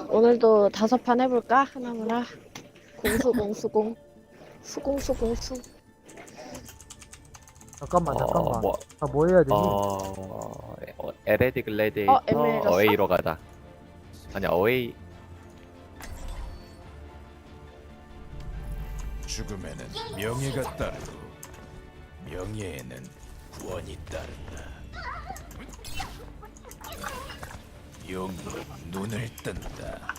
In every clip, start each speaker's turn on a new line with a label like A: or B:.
A: 오늘도 5판 해볼까? 하나무라. 공수공. 수공수공수.
B: 잠깐만.
C: 뭐,
B: 뭐 해야 되지?
C: 에레디 글래디에이터
A: 에메졌어?
C: 어웨이로 가자. 아니야, 어웨이.
D: 죽음에는 명예가 따르고 명예에는 구원이 따른다. 용이 눈을 뜬다.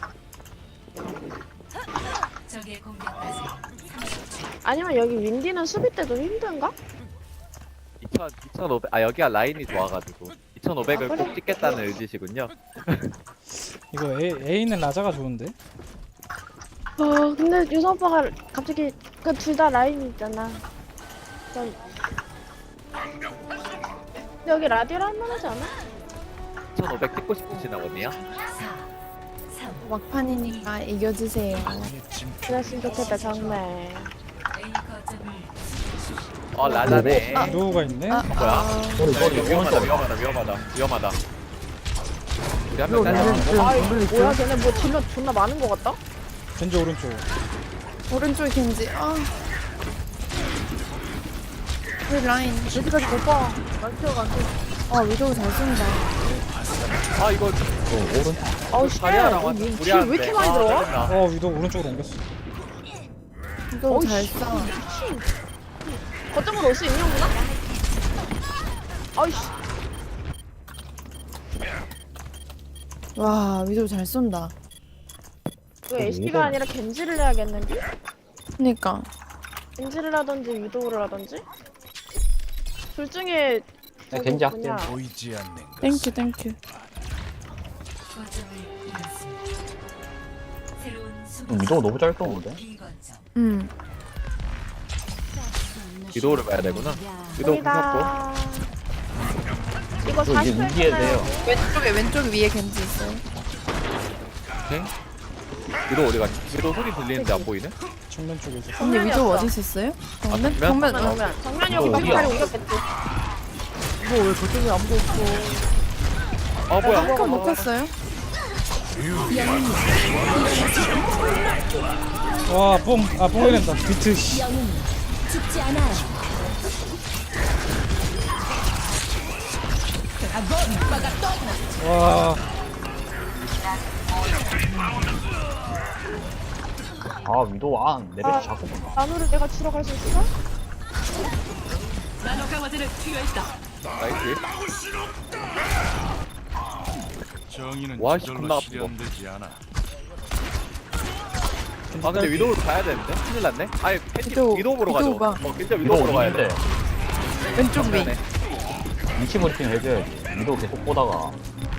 E: 적의 공격까지
A: 아니면 여기 윈디는 수비 때도 힘든가?
C: 2,500, 여기가 라인이 좋아가지고. 2,500을
A: 그래?
C: 꼭 찍겠다는 의지시군요.
F: 이거 A는 라자가 좋은데?
A: 근데 유성 오빠가 갑자기 그 둘 다 라인이 있잖아. 근데 여기 라디오를 할만하지 않아?
C: 2,500 찍고 싶으시나 보네요.
E: 4, 3,
G: 막판이니까 이겨주세요.
D: 악의 징표
A: 그랬으면 좋겠다 정말.
E: A 거점을
C: 라자네.
F: 위도우가 있네?
C: 뭐야? 위험하다. 우리 한명 잘라.
A: 아이 뭐야 걔네 뭐 딜러 존나 많은 거 같다?
F: 겐지 오른쪽.
G: 오른쪽에 겐지. 우리 라인.
A: 여기까지 못 봐. 난 티어가 안 돼.
G: 위도우 잘 쏜다.
C: 이거
A: 아우 씨.
C: 자리아랑
A: 왜 이렇게
C: 무리하는데.
A: 많이 들어와?
C: 짜증나.
F: 위도우 오른쪽으로 옮겼어.
G: 위도우 잘 쏴.
A: 거점으로 올 수 있는구나? 아이씨.
G: 와, 위도우 잘 쏜다.
A: 이거 HP가 아니라 겐지를 해야겠는데?
G: 그니까.
A: 겐지를 하던지 위도우를 하던지? 둘 중에
H: 겐지 할게.
A: 뭐냐.
D: 보이지 않는
G: 땡큐.
D: 것은
E: 거점을 잃었습니다. 새로운 수비
H: 위도우 너무 잘 쏘는데?
E: B 거점.
C: 위도우를 봐야 되구나. 위도우 궁
A: 여기다. 이거
H: 이거 이제
A: 40회
H: 무기해야 돼요.
G: 왼쪽 위에 겐지 있어요.
C: 오케이. 위도우 어디 갔지? 위도우 소리 들리는데 안 보이네?
F: 정면 쪽에 있어.
G: 언니 위도우
A: 정면이었어.
G: 어디 있었어요?
C: 정면?
G: 정면.
A: 정면이 여기
H: 이거
A: 막
H: 어디야?
A: 다리 옮겼겠지.
B: 이거 왜 저쪽에 아무도 없어?
C: 뭐야?
G: 한칸 먹혔어요?
F: 와, 뽕 해낸다. 비트, 씨. 와,
H: 위도우 내려서 자꾸 보나.
A: 나노를 내가 주러 갈 수 있어?
C: 나이스.
D: 정의는
C: 와, 씨,
D: 저절로
C: 겁나 아프다.
D: 실현되지 않아.
C: 근데 위도우를 가야 되는데? 큰일 났네? 아니, 위도우 보러 가죠.
G: 위도우 봐.
C: 진짜 위도우 보러 가야 돼.
G: 왼쪽 위.
C: 정면에.
H: 위치 브리핑 해줘야지. 위도우 계속 보다가.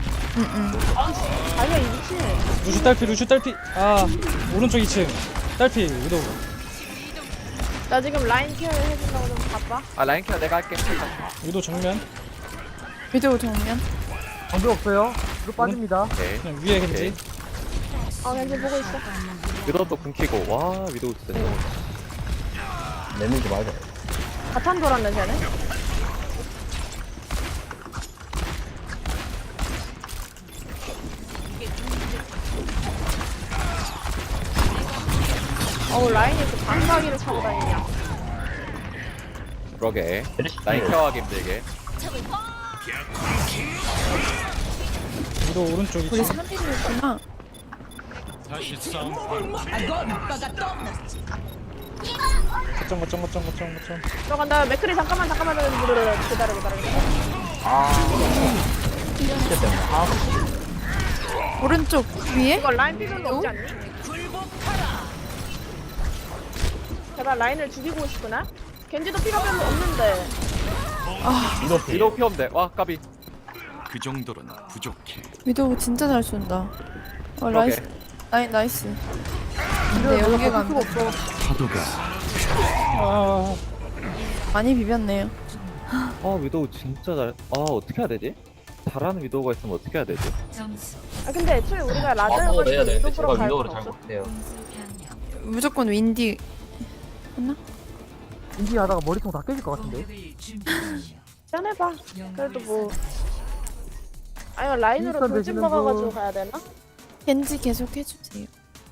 A: 아니야 이 미친.
F: 루슈 딸피. 오른쪽 2층. 딸피, 위도우.
A: 나 지금 라인 케어를 해준다고 좀 바빠.
C: 라인 케어 내가 할게.
F: 위도우 정면.
G: 위도우 정면.
B: 정비 없어요. 뒤로 빠집니다.
C: 오케이.
F: 그냥 위에 겐지.
A: 겐지 보고 있어.
C: 위도우 또 궁키고. 와, 위도우 진짜.
H: 내밀지 말자.
A: 바탄 돌았네 쟤네. 라인이 그 방가기를 차고 다니냐.
C: 그러게.
H: 메르시
C: 라인 케어하기 힘들게.
F: 위도우 오른쪽
G: 우리
F: 2층.
G: 3인이구나.
D: 다시 싸움.
F: 거점.
A: 들어간다. 맥크리 잠깐만 기다려.
H: 진짜 때문에
G: 오른쪽 위에?
A: 이거 라인 피존도 없지 않니? 제발 라인을 죽이고 싶구나. 겐지도 피가 별로 없는데.
C: 위도우 피 없네. 와, 까비.
D: 그 정도로는 부족해.
G: 위도우 진짜 잘 쏜다.
C: 그러게.
G: 나이스. 근데 연계가 안 돼.
D: 파도가
G: 많이 비볐네요.
C: 위도우 진짜 잘. 어떻게 해야 되지? 잘하는 위도우가 있으면 어떻게 해야 되지?
E: 점수
A: 근데 애초에 우리가
H: 해야
A: 라드를
H: 되는데 제가
A: 위도프로 갈
H: 위도우를
A: 건
H: 잘
A: 없어.
H: 못해요.
E: 공수 변경
G: 무조건 윈디. 했나?
B: 인지 하다가 머리통 다 깨질 것 같은데.
E: 공격을 준비하십시오.
A: 짠해봐. 그래도 뭐. 아니면 라인으로
B: 윈스턴
A: 돌진
B: 되시는
A: 먹어가지고
B: 분.
A: 가야 되나?
G: 겐지 계속 해주세요.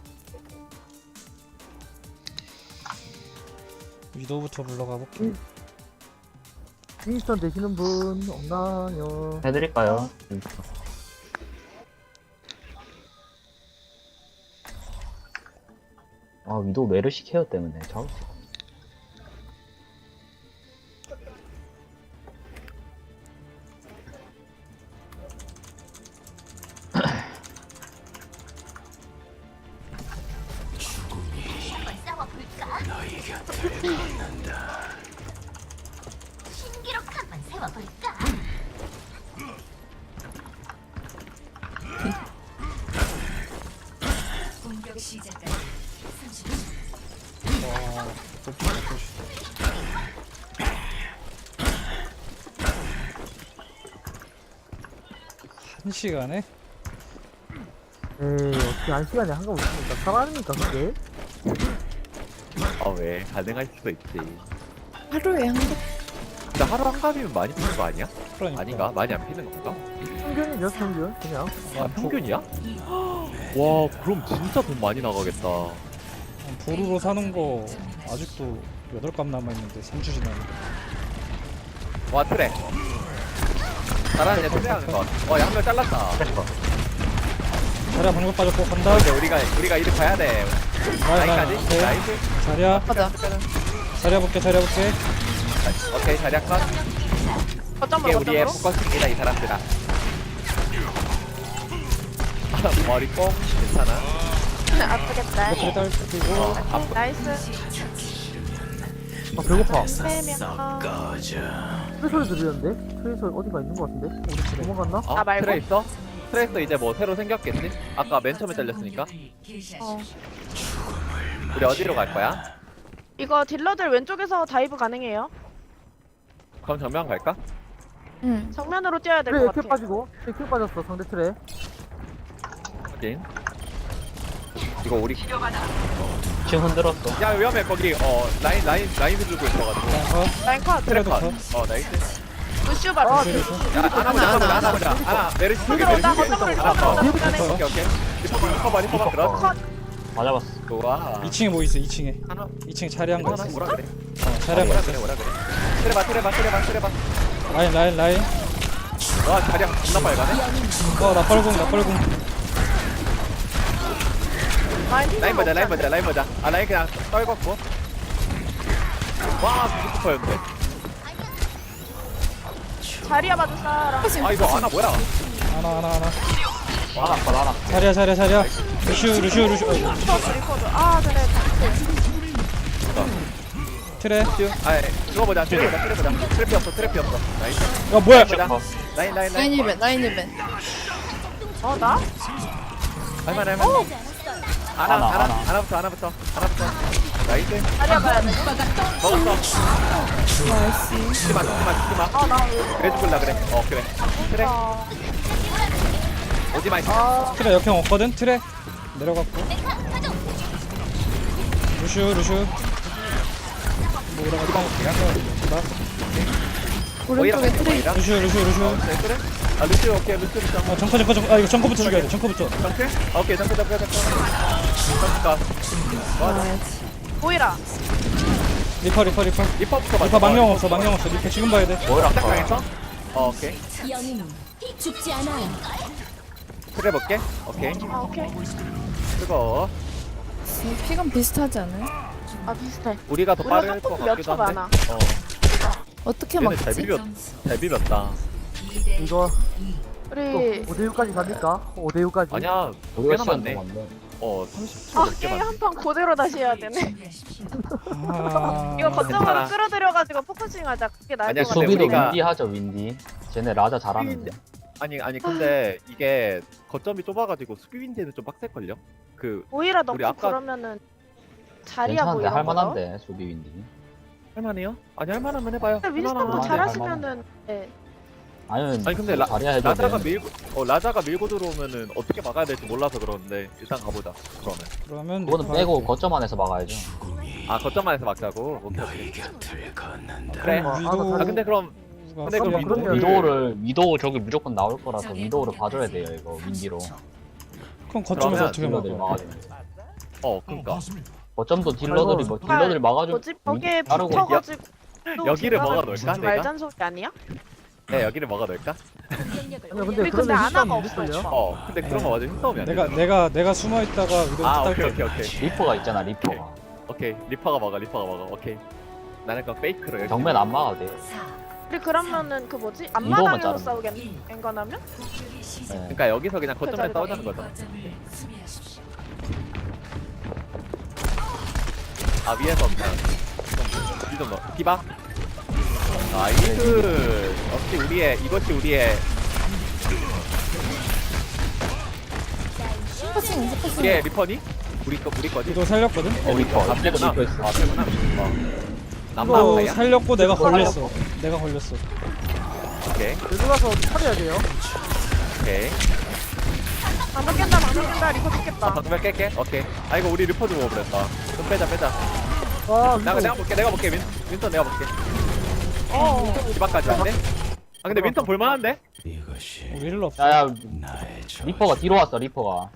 F: 위도우부터 불러가 볼게.
B: 윈스턴 되시는 분 없나요?
H: 해드릴까요? 아 위도우 메르시 케어 때문에 잡을 수가 없네.
E: 공격 시작까지 30초.
F: 와, 또 한 시간에?
B: 에이 어떻게 한 시간에 한가 못습니까? 살아납니까 그게?
C: 왜 가능할 수도 있지.
G: 하루에 한 번.
C: 근데 하루 한 갑이면 많이 피는 거 아니야?
F: 그러니까.
C: 아닌가? 많이 안 피는 건가?
B: 평균이죠 평균 그냥.
C: 아 평균이야? 와 그럼 진짜 돈 많이 나가겠다.
F: 보루로 사는 거 아직도 8값 남아있는데 3주 지났는데.
C: 와 트랙. 잘하는 애 트랙하는 거. 와한 명 잘랐다.
F: 자리야 방금 빠졌고 간다.
C: 이제 우리가 이리 가야 돼. 라인까지.
F: 오케이.
C: 나이스.
F: 자리야
G: 가자.
F: 자리야 볼게.
C: 오케이 자리야 컷.
A: 거점으로
C: 이게 우리의
A: 거점으로.
C: 포커스입니다 이 사람들아. 머리 뽕 괜찮아.
A: 아프겠다.
F: 그래 딸리고
A: 나이스.
B: 아 배고파.
A: 3명.
B: 트레 소리 들리는데? 트레 소리 어디가 있는 것 같은데? 우리 도망갔나?
C: 어?
A: 말고?
C: 트레 있어? 트레이서 이제 뭐 새로 생겼겠지? 아까 맨 처음에 잘렸으니까. 우리 어디로 갈 거야?
A: 이거 딜러들 왼쪽에서 다이브 가능해요.
C: 그럼 정면 갈까?
G: 응.
A: 정면으로 뛰어야 될
B: 트레
A: 것
B: 킬
A: 같아.
B: 빠지고 트레 킬 빠졌어 상대 트레.
C: 확인. 이거 우리
H: 지금 흔들었어.
C: 야 위험해 거기 라인 들고 있어가지고
A: 라인 컷.
C: 트레
F: 트레도
C: 컷. 나이스.
A: 루시우 바로.
B: 아
C: 야 하나 보자. 메르시 쪽에
A: 들어온다.
C: 메르시
A: 거점으로
C: 하나 더.
A: 리퍼.
C: 오케이. 리퍼 들어.
A: 컷.
H: 맞아봤어.
C: 좋아.
F: 2층에 뭐 있어 2층에.
C: 하나
F: 2층에 자리한 거
C: 하나
F: 있어.
C: 뭐라 그래?
F: 자리한 거
C: 뭐라
F: 있어.
C: 그래 뭐라 그래. 트레 봐.
F: 라인.
C: 와 자리야 존나 빨가네.
F: 나 뻘궁.
C: 라인 보자. 라인 그냥 떨궜고. 와 뷰티풀였는데.
A: 자리야 봐줄 사람.
C: 이거 하나 뭐야?
F: 하나.
H: 하나.
F: 자리야. 루슈.
A: 리퍼도. 아 그래.
F: 트레.
C: 그거 보자. 트랩이 없어. 나이스.
F: 야 뭐야?
C: 보자. 라인.
G: 라인 이벤.
A: 나?
C: 할만해. 하나부터. 나이스.
A: 자리야 봐야 돼.
C: 먹었어.
G: 나이스.
C: 죽지 마.
A: 나
C: 그래 죽을라 그래. 그래. 그래. 오지 마.
F: 트레 역행 없거든. 트레 내려갔고. 루슈.
G: 오른쪽에 트레이.
F: 루슈.
C: 그래? 루시 오케이. 루시.
F: 정커. 이거 정커부터 죽여야 돼. 정커부터.
C: 정크? 오케이. 정크.
A: 보이라.
F: 리퍼.
C: 리퍼부터 봐.
F: 리퍼 망령 없어. 리퍼 지금 봐야 돼.
H: 뭐라
C: 시작당했어? 오케이.
E: 죽지 않아요.
C: 그래 볼게. 오케이.
A: 오케이.
C: 그거
G: 피감 비슷하지 않아요?
A: 비슷해.
C: 우리가 더
A: 우리가
C: 빠를 것
A: 조금 몇
C: 같기도
A: 초
C: 한데.
A: 많아.
G: 어떻게
C: 얘네 잘
G: 막지?
C: 비볐. 잘 비볐다.
B: 이거
A: 우리
B: 5대6까지 갑니까? 5대6까지?
C: 아니야.
H: 우리가
C: 꽤나
H: 시간
C: 많네.
H: 동안데.
C: 30초 넘게
A: 게임
C: 많네.
A: 한 판 그대로 다시 해야 되네. 이거 거점으로
C: 괜찮아.
A: 끌어들여가지고 포커싱하자. 그게 나을
C: 아니야,
A: 것 같아.
C: 근데
H: 수비도
C: 우리가-
H: 윈디 하죠 윈디. 쟤네 라자 잘하는데.
C: 아니 근데 이게 거점이 좁아가지고 수비윈디는 좀 빡셀걸요?
A: 오히려 넣고
C: 우리 아까-
A: 그러면은 자리야
H: 괜찮은데
A: 보이는 거다.
H: 할만한데 수비 윈디.
C: 할만해요? 아니 할만하면 해봐요.
A: 근데 윈스턴도
H: 할만하네,
A: 잘하시면은 네.
H: 아니
C: 근데
H: 자리야 해도
C: 라자가
H: 돼.
C: 라자가 밀고 들어오면은 어떻게 막아야 될지 몰라서 그러는데 일단 가보자. 그러면
F: 그러면
H: 그거는 빼고 거점 안에서 막아야죠.
C: 거점 안에서 막자고. 오케이. 그래.
F: 위도
C: 근데 그럼 그럼
B: 그러면-
H: 위도우 저기 무조건 나올 거라서 위도우를 봐줘야 돼요 이거 윈디로.
F: 그럼 거점에서 어떻게
H: 딜러들이
F: 막아?
H: 막아주는
C: 그니까
H: 거점도 딜러들이 뭐 딜러들이 막아주고
A: 뭐지? 벽에
H: 따르고
A: 붙어가지고
C: 여기를
A: 또
C: 먹어놓을까,
A: 중간에
C: 내가?
A: 말잔소리 아니야?
C: 네 여기를 먹어놓을까?
G: 공격력을
B: 아니
A: 우리
B: 근데
A: 근데
B: 그러면
A: 아나가
B: 힘싸움
A: 없어,
B: 있을걸요?
A: 오빠.
C: 근데 그런 거 맞아 힘싸움이 안 돼.
F: 내가 숨어 있다가 위도
C: 아
F: 딸
C: 오케이
F: 게
C: 오케이 오케이
H: 리퍼가 있잖아 리퍼가
C: 오케이 리퍼가 먹어 오케이. 나는 그럼 페이크로 열심히
H: 정면 안 막아도 돼.
E: 4
A: 우리 그러면은 그 뭐지?
H: 이도만
A: 앞마당에서
H: 자르면
A: 싸우겠네? 앵간하면?
E: 공격이 시작.
H: 네.
C: 그러니까 여기서 그냥 거점에
A: 그래,
C: 싸우자는 거죠.
E: 거점을 수비하십시오.
C: 아 위에서 그냥 좀 넣어. 디바. 나이스. 이것이 우리의
G: 스포싱 스포싱.
C: 우리의 리퍼니? 우리 거지?
F: 위도 살렸거든?
H: 리퍼 앞에도
C: 그렇구나.
H: 리퍼 있어.
C: 아 그렇구나.
F: 위도
C: 남방이야?
F: 살렸고 내가
H: 이거
F: 걸렸어. 내가 걸렸어.
C: 오케이
B: 여기 가서 차려야 돼요.
C: 오케이.
A: 방금 깬다 리퍼 죽겠다.
C: 방금 깰게. 오케이. 아 이거 우리 리퍼 주고 그랬다. 좀 빼자.
B: 아
C: 내가 볼게. 윈턴 내가 볼게.
A: 어.
C: 디바까지 한데? 아 근데 윈턴 볼만한데?
D: 이것이
F: 우리 힐러 없어.
H: 야야
D: 나의 저
H: 리퍼가 뒤로 왔어 리퍼가.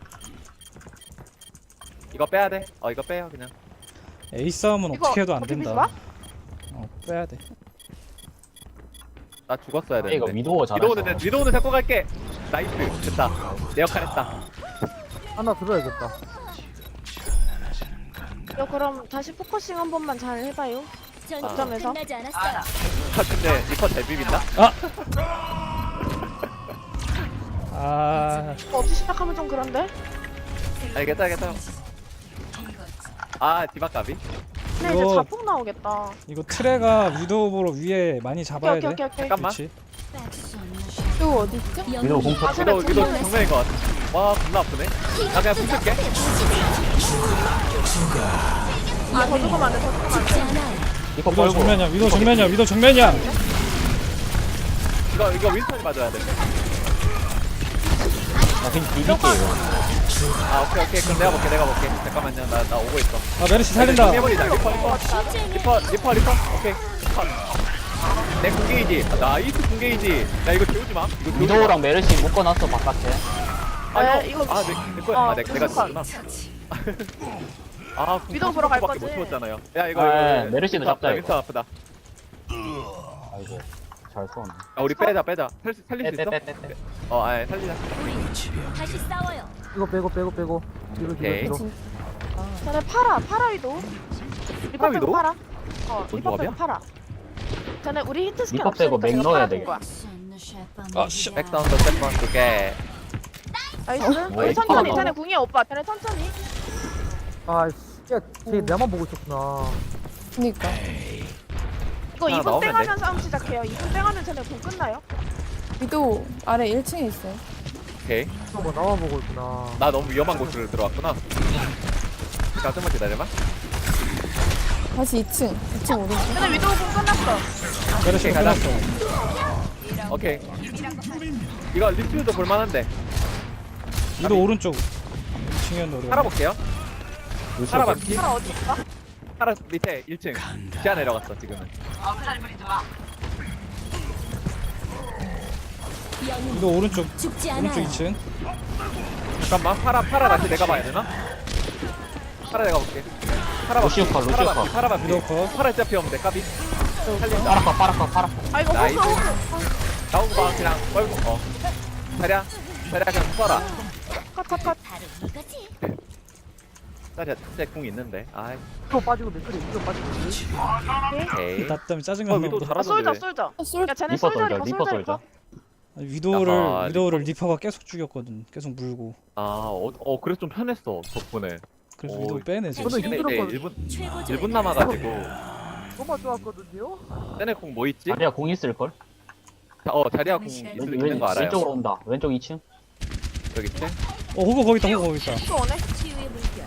C: 이거 빼야 돼. 이거 빼요 그냥.
F: A 싸움은
A: 이거
F: 어떻게 해도 안
A: 어떻게
F: 된다. 빼야 돼.
C: 나 죽었어야
H: 이거
C: 되는데.
H: 위도우 잘했어.
C: 위도우는 데리고 갈게. 나이스. 됐다. 내 역할 했다.
B: 하나 들어야겠다.
A: 야 그럼 다시 포커싱 한 번만 잘 해봐요.
E: 전투
A: 거점에서?
E: 끝나지 않았어요.
C: 근데 리퍼 잘 비빈다?
F: 아,
A: 없이 시작하면 좀 그런데?
C: 알겠다. 디바까비.
A: 근데 이제
F: 이거-
A: 자폭 나오겠다.
F: 이거 트레가 위도우로 위에 많이 잡아야 돼.
A: 오케이.
C: 잠깐만.
F: 그렇지.
G: 또 어디 있죠?
H: 위도우 공포.
A: 쟤네
C: 위도 정면인 것 같아. 와 겁나 아프네. 나 그냥 숨 쉴게.
A: 더 죽으면 안 돼.
E: 죽지 않아요.
H: 리퍼
F: 위도
H: 벌고.
F: 정면이야. 위도 정면이야.
C: 이거 윈턴이 맞아야 돼.
H: 나 그냥 비비게 이거.
C: 오케이. 그럼 내가 볼게. 잠깐만요. 나 오고 있어.
F: 아 메르시 살린다.
C: 해버리자. 리퍼. 오케이. 컷. 내 궁게이지. 나이스 궁게이지. 야 이거 재우지 마. 이거 재우지 마.
H: 위도우랑 메르시 묶어놨어 바깥에.
A: 이거
C: 내 거야. 내가
A: 무슨
C: 죽구나.
A: 위도우 보러 갈
C: 밖에
A: 거지?
C: 못 죽었잖아요. 야 이거
H: 메르시도 잡자, 이거.
C: 윈턴 아프다.
H: 아이고 잘 쏘네.
C: 우리 빼자. 살릴 수 있어?
H: 빼빼빼빼.
C: 살리자.
E: 다시 싸워요.
B: 이거 빼고.
C: 오케이.
B: 뒤로.
A: 쟤네 팔아 위도. 리퍼
C: 팔아,
A: 빼고
C: 위도?
A: 팔아.
C: 뭔
A: 리퍼 빼고
C: 조합이야?
A: 팔아. 쟤네 우리 히트 스킬
H: 리퍼 빼고
A: 없으니까
H: 맥
A: 제가
H: 넣어야
A: 팔아
H: 돼.
A: 줄 거야.
F: 아, 씨.
C: 백사운드 세번 두 개.
A: 나이스.
H: 왜
A: 우리 천천히.
H: 이렇게
A: 쟤네 궁이야 오빠. 쟤네 천천히.
B: 쟤 나만 보고 있었구나.
G: 그니까.
A: 이거
C: 하나
A: 2분
C: 나오면
A: 땡하면 싸움 시작해요. 2분 땡하면 쟤네 궁 끝나요.
G: 위도 아래 1층에 있어요.
C: 오케이.
B: 뭐 나만 보고 있구나.
C: 나 너무 위험한 곳으로 들어왔구나. 자, 좀만 기다려봐.
G: 다시 2층 오른쪽.
A: 쟤네 위도우 궁 끝났어.
F: 메르시
C: 오케이, 가자.
F: 끝났어.
C: 오케이. 이거 리퓨도 볼만한데.
F: 위도 오른쪽. 2층이었는데.
C: 살아볼게요. 살아 반피.
A: 팔아 어디 있어?
C: 살아 밑에 1층. 지하 내려갔어 지금은.
F: 위도 오른쪽.
E: 죽지
F: 오른쪽
E: 않아요.
F: 2층.
C: 잠깐만. 팔아 다시 내가 봐야 되나? 팔아 내가 볼게. 팔아
H: 루시오 컷, 루시오 컷.
C: 팔아 반피.
F: 위도 컷.
C: 팔아 진짜 피 없는데 까비. 살린다.
H: 파라카.
A: 아 이거
C: 나이스.
A: 호그.
C: 나오고 봐 그냥 뻘고. 자리야 그냥 써라.
A: 컷.
E: 바로 이거지.
C: 자리야 진짜 궁 있는데. 아이.
B: 이거 빠지고 맥클이 이거 빠지고.
C: 오케이.
F: 나 때문에
C: 위도
F: 짜증났나 보다.
C: 잘하던데.
A: 솔져.
G: 솔
A: 야 쟤네
H: 리퍼
A: 솔져
H: 솔져, 리퍼 솔져.
F: 아니,
C: 아하,
F: 위도우를 리퍼가 계속 죽였거든. 계속 물고.
C: 그래서 좀 편했어 덕분에.
F: 그래서
C: 오,
F: 위도우 빼내지.
B: 저는
C: 근데
B: 힘들었거든.
C: 1분 남아가지고.
B: 너무 좋았거든요.
C: 쟤네 궁 뭐 있지?
H: 자리야 공 있을걸?
C: 자리야 궁 있는 거 알아요.
H: 왼쪽으로 온다. 왼쪽 2층.
C: 여기 있지?
F: 호그 거기 있다.
A: 또 오네.
E: 치유의 물결.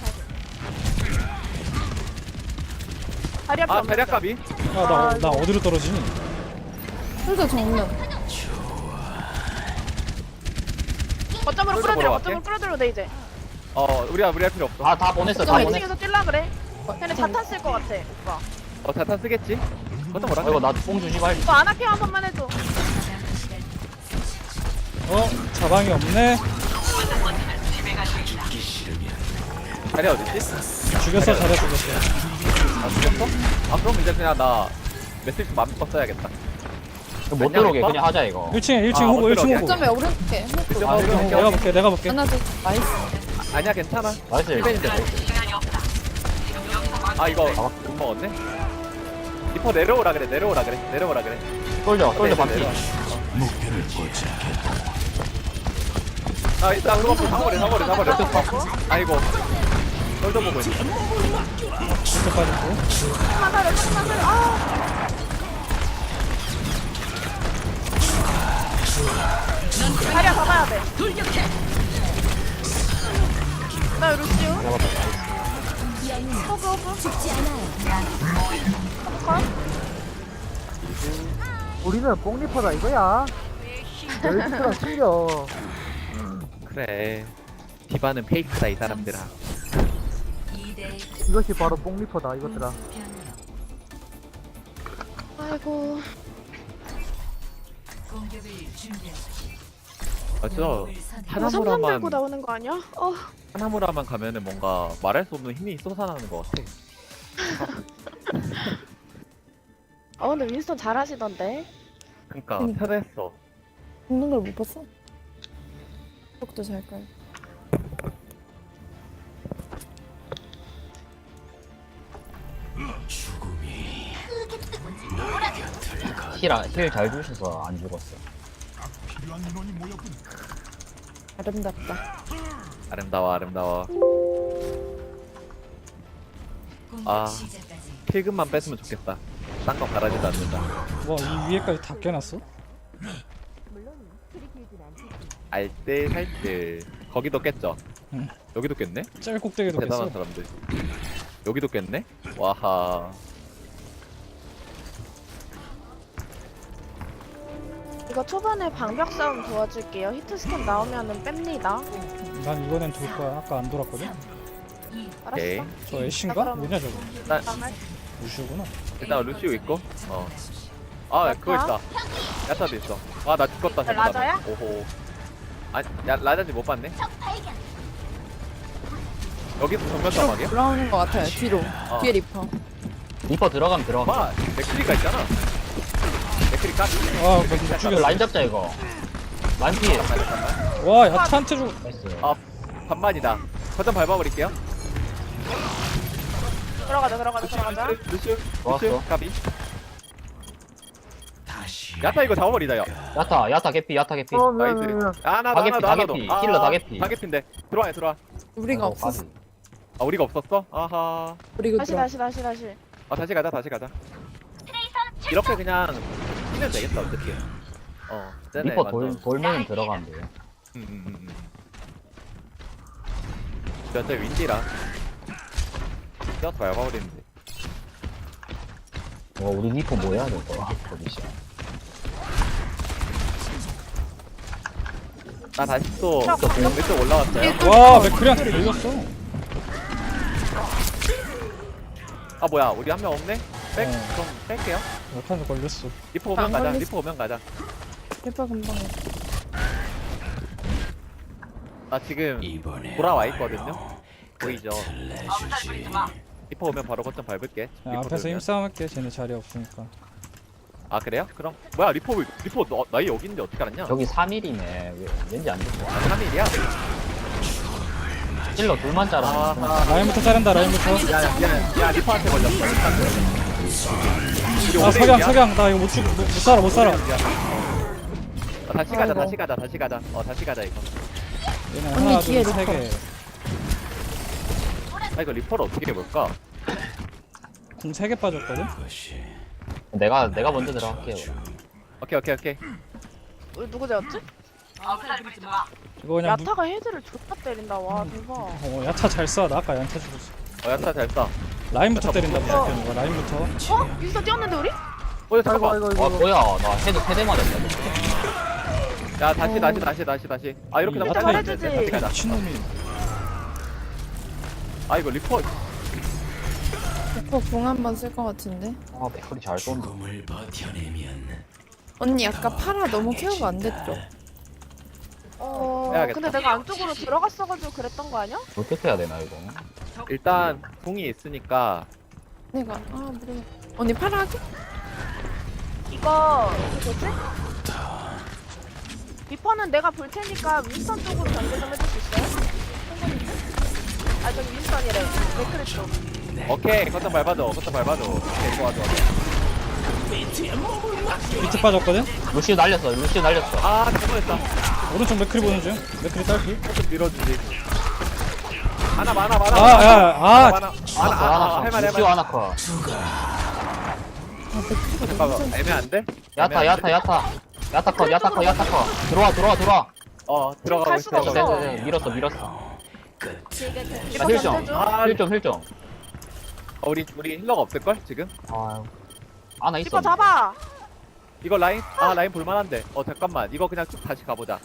A: 다리 앞에
C: 자리야 까비.
F: 나 어디로 떨어지니?
G: 솔저 정면.
A: 거점으로
C: 보러
A: 끌어들여.
C: 갈게.
A: 거점으로 끌어들여 돼 이제.
C: 우리 할 필요 없어.
H: 다 보냈어. 다
A: 거점
H: 보냈어.
A: 2층에서 뛸라 그래. 쟤네 자탄 쓸 것 같아 오빠.
C: 자탄 쓰겠지? 그것도 뭐라
H: 이거 나뽕 주지 말지.
A: 이거 아나케 한 번만 해줘.
F: 자방이 없네.
C: 자리 어딨지?
F: 죽였어 잘해 죽였어.
C: 아 죽였어? 아 그럼 이제 그냥 나 매트릭스 마음껏 써야겠다.
H: 못
C: 안녕,
H: 들어오게
C: 오빠?
H: 그냥 하자 이거.
F: 1층에 1층
C: 아,
F: 호구
C: 못
F: 1층
C: 들어오게.
F: 호구.
G: 점에 오른쪽에
C: 이쪽
H: 아,
C: 먹으러
H: 이거
C: 갈게.
F: 내가 볼게 내가 볼게.
G: 하나도 나이스.
C: 아니야 괜찮아.
H: 나이스.
C: 힐벤인데 나이스. 아 이거 못 먹었네? 리퍼 내려오라 그래 내려오라 그래.
H: 솔져
C: 네,
H: 반피.
C: 내려와. 아 일단 그거 사버려. 아이고 널좀 보고 있어.
F: 진짜 빠졌고.
A: 조금만 살려. 자리야 잡아야 돼. 나 루시우. 호그.
E: 죽지 않아요.
B: 우리는 뽕리퍼다 이거야. 멸치랑 틀려.
C: 그래 디바는 페이크다 이 사람들아.
B: 이것이 바로 뽕리퍼다 이것들아.
A: 아이고.
C: 저
A: 이거 삼삼
C: 하나무라만
A: 들고 나오는 거 아니야?
C: 하나무라만 가면은 뭔가 말할 수 없는 힘이 쏟아나는 것 같아.
A: 근데 윈스턴 잘하시던데.
C: 그러니까 편했어.
G: 죽는 걸 못 봤어? 속도 잘 깔.
H: 힐잘 주셔서 안 죽었어.
G: 아름답다.
C: 아름다워. 아 필금만 뺐으면 좋겠다. 딴 거 바라지도 않는다.
F: 와이 위에까지 다 깨놨어?
C: 알뜰 살뜰. 거기도 깼죠?
F: 응.
C: 여기도 깼네?
F: 짤 꼭대기도
C: 대단한
F: 깼어.
C: 사람들. 여기도 깼네? 와하.
A: 이거 초반에 방벽 싸움 도와줄게요. 히트 스캔 나오면은 뺍니다.
F: 난 이번엔 돌 거야. 아까 안 돌았거든.
C: 오케이.
A: 알았어.
F: 저 애쉬인가?
A: 그럼-
F: 뭐냐 저거?
C: 일단,
F: 무시구나.
C: 일단 루시오 있고. 아 그거 있다. 야타도 있어. 아 나 죽었다. 잘못하면.
A: 라자야?
C: 오호. 아, 야 라자지 못 봤네. 여기서 정면 싸움하게요?
G: 올라오는 것 같아요. 뒤로. 뒤에 리퍼.
H: 리퍼 들어가면 들어가.
C: 봐, 맥크리가 있잖아. 맥크리 까지.
F: 아못 죽였어.
H: 라인 잡자 이거. 라인 피해.
F: 와 야타한테 죽.
H: 나이스.
C: 아 반반이다. 거점 밟아버릴게요.
A: 들어가자.
C: 루시오,
H: 좋았어.
C: 까비. 야타 이거 잡아버리다 야.
H: 야타 개피.
C: 나이스.
B: 미안.
C: 나도.
H: 힐러 다 개피.
C: 다개피인데. 들어와.
G: 우리가 없었어.
C: 아 우리가 없었어? 아하.
G: 그리고
A: 다시.
C: 다시 가자. 이렇게 그냥 뛰면 되겠다 어떻게. 쟤네
H: 리퍼
C: 완전.
H: 돌면은 들어가면 돼.
C: 진짜 윈디라. 뛰어서 밟아버리는데.
H: 우리 리퍼 뭐 해야 될 거야? 포지션.
C: 나 다시 또 왼쪽 올라왔어요.
F: 와 맥크리한테 걸렸어.
C: 아 뭐야 우리 한 명 없네? 좀 뺄게요.
F: 야타한테 걸렸어.
C: 리퍼 오면
G: 안
C: 가자.
G: 걸렸어.
C: 리퍼 오면 가자.
G: 리퍼 금방 해.
C: 나 지금 돌아와 있거든요. 보이죠? 리퍼 오면 바로 거점 밟을게.
F: 야,
C: 리퍼
F: 앞에서
C: 돌면.
F: 힘싸움 할게. 쟤네 자리 없으니까.
C: 아 그래요? 그럼 뭐야 리퍼 나이 여기 있는데 어떻게 알았냐?
H: 저기 3일이네. 왠지 안 죽어.
C: 3일이야?
H: 힐러 둘만 자라.
C: 아하.
F: 라인부터 자른다. 라인부터.
C: 야 리퍼한테 걸렸어. 우리
F: 아
C: 오레일이야?
F: 석양 나 이거 못 살아.
C: 다시 가자. 다시 가자 이거.
F: 얘네
G: 언니
F: 하나
G: 뒤에
F: 둘세
G: 리퍼.
F: 개.
C: 아 이거 리퍼를 어떻게 해볼까?
F: 궁 3개 빠졌거든.
H: 내가 먼저 들어갈게요.
C: 오케이.
A: 우리 누구 되었지?
F: 이거 그냥
A: 야타가 헤드를 존나 때린다. 와 대박.
F: 야타 잘 쏴. 나 아까 야타 죽었어.
C: 야타 잘 쏴.
F: 라인부터 때린다 무조건 이거. 라인부터.
A: 윈스턴 뛰었는데 우리?
C: 잠깐만.
H: 와 뭐야? 나 헤드 3대 맞았다.
C: 야 다시. 아 이렇게
F: 야타
C: 나면
A: 해주지.
C: 다시 가자.
F: 미친놈이.
C: 아 이거 리퍼
G: 리퍼 궁 한 번 쓸 것 같은데.
H: 아 맥클이 잘 쏜다.
G: 언니 아까 파라 너무 케어가 안 됐죠?
C: 해야겠다.
A: 근데 내가 안쪽으로 들어갔어가지고 그랬던 거 아니야?
H: 어떻게 해야 되나 이거?
C: 일단 궁이 있으니까
G: 내가 모르겠. 언니 팔아 하지?
A: 이거 뭐지? 리퍼는 내가 볼 테니까 윈스턴 쪽으로 전개 좀 해줄 수 있어요? 아 저기 윈스턴이래. 맥크리 쪽.
C: 오케이 거점 밟아줘 오케이 좋아
F: 비트 빠졌거든?
H: 루시우 날렸어.
C: 아 잘못했다
F: 오른쪽 맥크리 보는 중. 맥크리 딸피.
C: 좀 밀어주지 하나 많아
F: 아,
C: 할만해
H: 루시우 하나커.
C: 잠깐만 애매한데?
H: 야타커. 들어와.
A: 갈
C: 들어가고 있어
A: 수가 없어.
H: 네, 밀었어.
E: 제가
A: 리퍼
H: 힐 좀.
A: 던져줘.
C: 아,
H: 힐 좀.
C: 우리 힐러가 없을걸 지금?
H: 아, 하나 있어.
A: 리퍼 잡아.
C: 이거 라인? 아 라인 볼만한데 잠깐만 이거 그냥 쭉 다시 가보자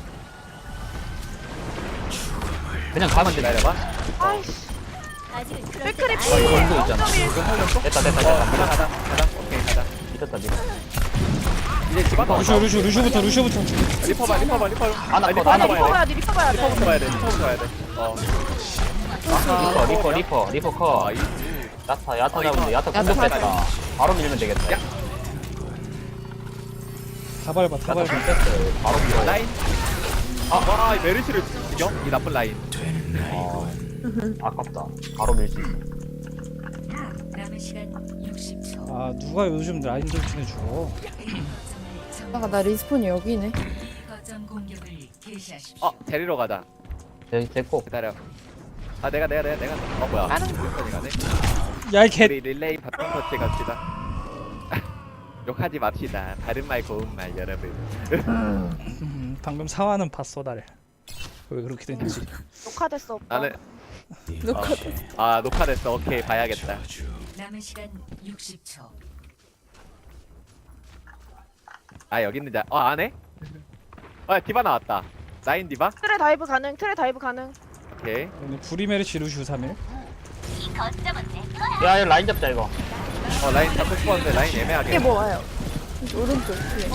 H: 그냥 가면 돼.
C: 기다려봐
A: 아이씨.
E: 아직은 그럴
A: 맥크리
E: 때가
A: 피.
H: 아, 이거 운동 있잖아.
A: 0.1.
H: 됐다.
C: 가자 오케이 가자
H: 밀었다.
C: 이제 집안
F: 루시부터.
C: 리퍼 봐
H: 하나
C: 아니,
H: 컷, 하나
A: 리퍼
H: 컷.
A: 봐야 돼. 리퍼 봐야 돼.
C: 리퍼부터 봐야 돼
H: 리퍼 컷. 야타 잡은데 야타 공격됐다. 바로 밀면 되겠다.
F: 다 밟아.
H: 야타 공격됐어. 바로 밀어.
C: 라인 이 메르시를 죽여? 이 나쁜 라인
H: 아깝다. 바로 밀 수 있어.
E: 남은 시간 60초.
F: 아, 누가 요즘 라인 돌진해 주고.
G: 나 리스폰이 여기네.
E: 거점 공격을 개시하십시오.
C: 데리러 가자
H: 됐고.
C: 기다려 내가 뭐야
A: 다른
C: 여기까지 가네
F: 야, 이 개.
C: 우리 릴레이 바텀 터치 갑시다 욕하지 맙시다 바른 말 고운 말 여러분
F: 방금 사화는 봤어, 나를. 왜 그렇게 됐는지.
A: 녹화됐어 오빠.
C: 나는
G: 녹화.
C: 녹화됐어 오케이 봐야겠다
E: 남은 시간 60초.
C: 여기 있는 안해? 디바 나왔다 라인 디바?
A: 트레 다이브 가능.
C: 오케이
F: 오늘 브리메르시 루시우 3일.
H: 야, 라인 잡자 이거.
C: 라인 잡고 싶었는데 라인 애매하게
G: 이게 뭐 와요? 오른쪽 뒤에.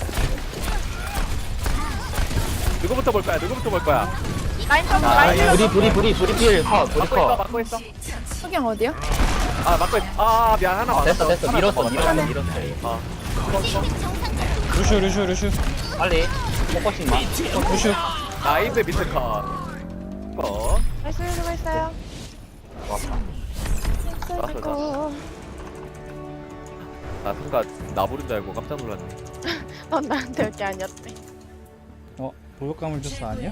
C: 누구부터 볼 거야?
A: 라인 좀
C: 아,
A: 라인 좀.
H: 브리 필 컷. 브리 컷.
C: 막고 있어
G: 석양 어디야?
C: 막고 있어 미안 하나 맞았어
H: 됐어. 밀었어.
F: 루시우.
H: 빨리. 포커싱만.
F: 루시우.
C: 나이스 미스 컷
A: 나이스 수고했어요.
C: 좋았어. 나 순간 나 부른 줄 알고 깜짝 놀랐네
A: 넌 나한테 여기 아니었대.
F: 목욕감을 줬어 아니야?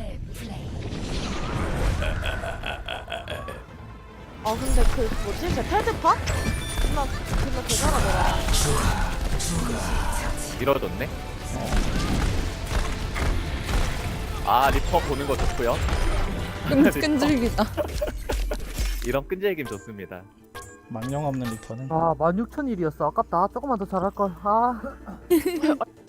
A: 근데 그 뭐지? 제 테드파? 존나 대단하더라.
C: 밀어줬네 리퍼 보는 거 좋고요
G: 끈질기다.
C: 이런 끈질김 좋습니다
F: 망령 없는 리퍼는.
B: 16,000일이었어. 아깝다. 조금만 더 잘할걸.